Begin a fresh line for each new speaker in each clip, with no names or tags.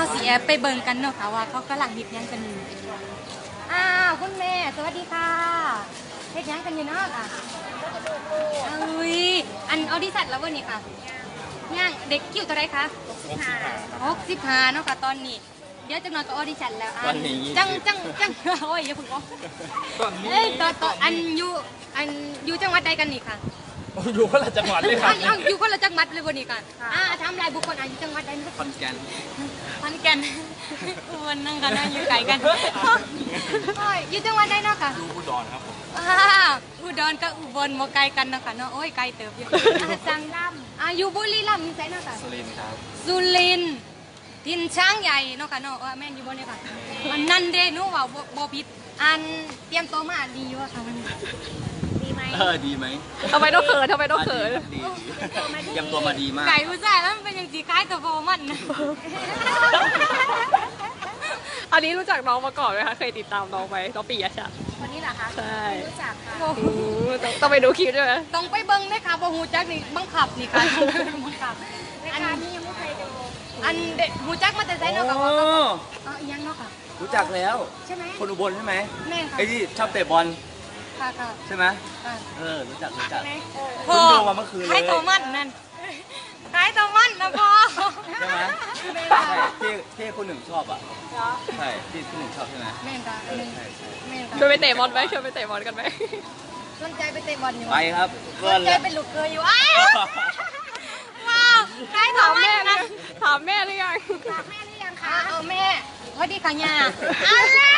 สีแอบไปเบิ่งกันเนาะค่ะว่าเขากำลังเฮ็ดหยังกันอยู่อ้าวคุณแม่สวัสดีค่ะเฮ็ดหยังกันอยู่เนาะค่ะอุ้ยอันออดิชั่นแล้ววันนี้ค่ะย่างเด็กคิวตัวใดคะ65เนาะค่ะตอนนี้เดี๋ยวจังหน่อยก็ออดิชั่นแล้วจังโอ้ยอย่าพึ่งออกเอ้ยต่ออันอยู่จังหวัดใดกันนี่ค่ะ
อยู่คนละจังหวัดเลยครับ
อยู่คนละจังหวัดเลยวันนี้ค่ะทำลายบุคคลอยู่จังหวัดใด
ขอนแก่น
วันนั่งกันนั่งอยู่ไกลกันอยู่จังหวัดใดเนาะค่ะ
อยู่อุดรครับผม
อุดรกับอุบลมาไกลกันเนาะค่ะเนาะโอ้ยไกลเติบอยู่จังรัมอยู่บุรีรัมย์มีไสเนาะค่ะ
สุรินทร์ครับ
สุรินทร์ทินช้างใหญ่เนาะค่ะเนาะแม่นอยู่บนนี้ค่ะอันนั้นเด้หนูว่าบ่ผิดอันเตรียมตัวมาดีอยู่ค่ะมันดีไหม
ดีไหม
ทำไมต้องเขิน
ดีเตรียมตัวมาดีมาก
ไก่ผู้ชายแล้วมันเป็นอย่างสีคล้ายตัวโฟมันนะ
อันนี้รู้จักน้องมาก่อนไหมคะเคยติดตามน้องไหมน้องปียชัด
วันนี้เหรอคะ
ใช่
รู้จักค่ะ
ต้องไปดูคลิปด้วยไหม
ต้องไปเบิ้งได้ค่ะบ่ฮู้จักนี่บังคับนี่ค่ะบังคับ
รายการนี้ยังไม่เคยดู
อันเด็กฮู้จักมาแต่ไสเนาะค่ะอีหยังเนาะค่ะ
รู้จักแล้ว
ใช่ไหม
คนอุบลใช่ไหม
แม่ค่ะ
ไอ้ที่ชอบเตะบอล
ค่ะ
ใช่ไหมรู้จักเพิ่งดูมาเมื่อคืนเลย
คล้ายตัวมันนั่นคล้ายตัวมันนะพ่อ
ใช่ไหมใช่ที่คุณหนึ่งชอบอ่ะใช่ที่คุณหนึ่งชอบใช่ไหม
แม่ค่ะแม่ค่ะ
ชวนไปเตะบอลไหมชวนไปเตะบอลกันไหม
สนใจไปเตะบอลอยู่
ไปครับ
สนใจเป็นลูกเคยอยู่ว้าวคล้ายตัวมันนะ
ถามแม่หรือยัง
คะแม่พอดีค่ะย่าอะไร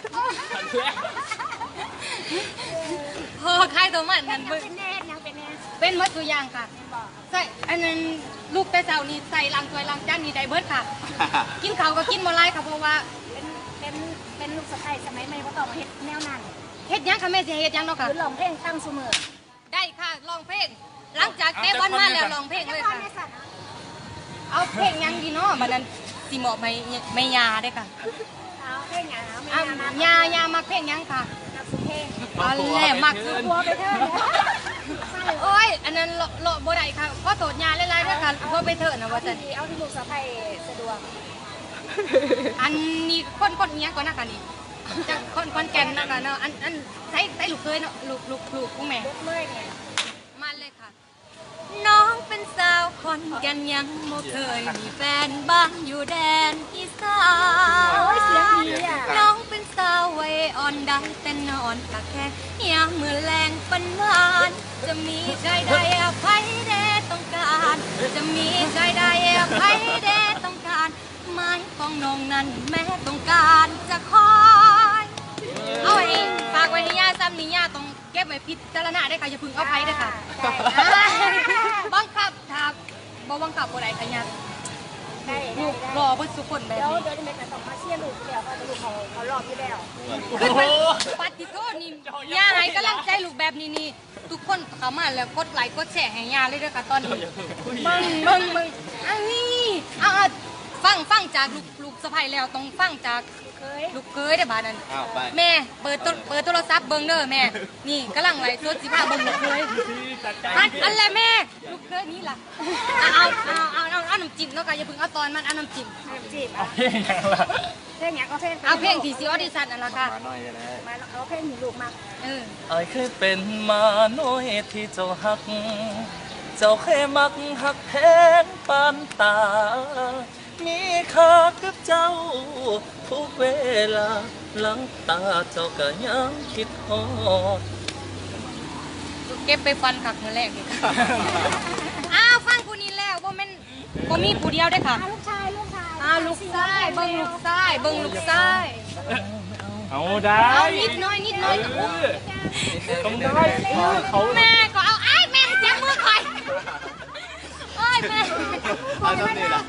พอคล้ายตัวมันนั่นเป็นวัตถุยางค่ะใส่อันนั้นลูกแต่เจ้านี่ใส่ล้างถ้วยล้างจานนี่ได้เบิดค่ะกินข้าวก็กินบ่ไรค่ะเพราะว่า
เป็นลูกสะใภ้สมัยใหม่เขาต่อมาเฮ็ดแนวนั้น
เฮ็ดยังค่ะแม่สิเฮ็ดยังเนาะค่ะ
คือร้องเพลงตั้งเสมอ
ได้ค่ะร้องเพลงหลังจากเตะบอลมาแล้วร้องเพลงเลยค่ะเอาเพลงยังดีเนาะบัดนั้นสิเหมาะไม่ยาได้ค่ะ
เอาเพลงยัง
ยามาเพลงยังค่ะ
นักสุเพลง
อันแรกมักคือ
บัวไปเถอะ
โอ้ยอันนั้นโลบ่ได้ค่ะก็โสดยาหลายๆด้วยค่ะพอไปเถอะนะว่าจัน
เอาที่ลูกสะใภ้สะดวก
อันนี้คนเนี้ยก่อนนะคะนี่จากคนแก่นนะคะเนาะอันใส่ลูกเคยเนาะลูกพวกแม่มาเลยค่ะน้องเป็นสาวคนแก่นยังบ่เคยมีแฟนบ้านอยู่แดนอีสานน้องเป็นสาววัยอ่อนได้แต่นอนตะแคงยามมือแรงปันหวานจะมีใจใดอภัยแด่ต้องการจะมีใจใดอภัยแด่ต้องการไม้ของน้องนั้นแม้ต้องการจะคอยเอาไว้ฝากไว้ให้ย่าซ้ำนี่ย่าต้องเก็บไว้พิจารณาได้ค่ะอย่าพึ่งเอาไผ่ได้ค่ะบังคับถ้าบ่บังคับบ่ได้ค่ะย่าลูกรอเพื่อสุขคนแบบนี้
เดี๋ยวแม่ต้องมาเชียร์ลูกเดี๋ยวเขาจะลูกเขารอบอยู่แล้ว
ปฏิโทษนี่ย่าให้กำลังใจลูกแบบนี้นี่ทุกคนเข้ามาแล้วกดไลค์กดแชร์ให้ย่าเลยด้วยค่ะตอนนี้มึงอันนี้ฟังจากลูกสะใภ้แล้วต้องฟังจากลูกเคยได้บ้านนั้นแม่เปิดโทรศัพท์เบิ้งเด้อแม่นี่กำลังไลฟ์สดสิพาเบิ้งลูกเคยอันแหละแม่ลูกเคยนี่ล่ะเอาน้ำจิ้มเนาะค่ะอย่าเพิ่งเอาตอนมันเอาน้ำจิ้ม
เอาเพลงยังล่ะ
เพลงยังก็
เอาเพลงที่ซีออดิชั่นนั่นล่ะค่ะ
มาเอาเพลงหนูลูกมา
เคยเป็นมาน้อยที่เจ้าฮักเจ้าเคยมักฮักแพงปานตามีค่ากับเจ้าทุกเวลาหลังตาเจ้าก็ยังคิดฮอด
เก็บไปฟันขักมือแรกนี่ฟังผู้นี้แล้วบ่มีผู้เดียวได้ค่ะ
ลูกชาย
ลูกชายเบิ่งลูกชาย
เอาได้
นิดน้อย
ต้องได้เขา
แม่ก็เอาแม่จับมือคอยแม่
เอาต้องนี่ล่ะ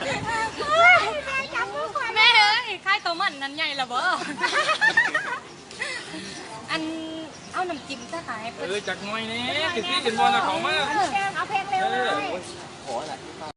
แม่เอ้ยค่ายตัวมันนั้นใหญ่ละบ่อันเอาน้ำจิ้มจะขาย
จากน้อยนี่คือที่กินบอลนะของมาก
เอาเพลงเร็วเลย
ขออะไร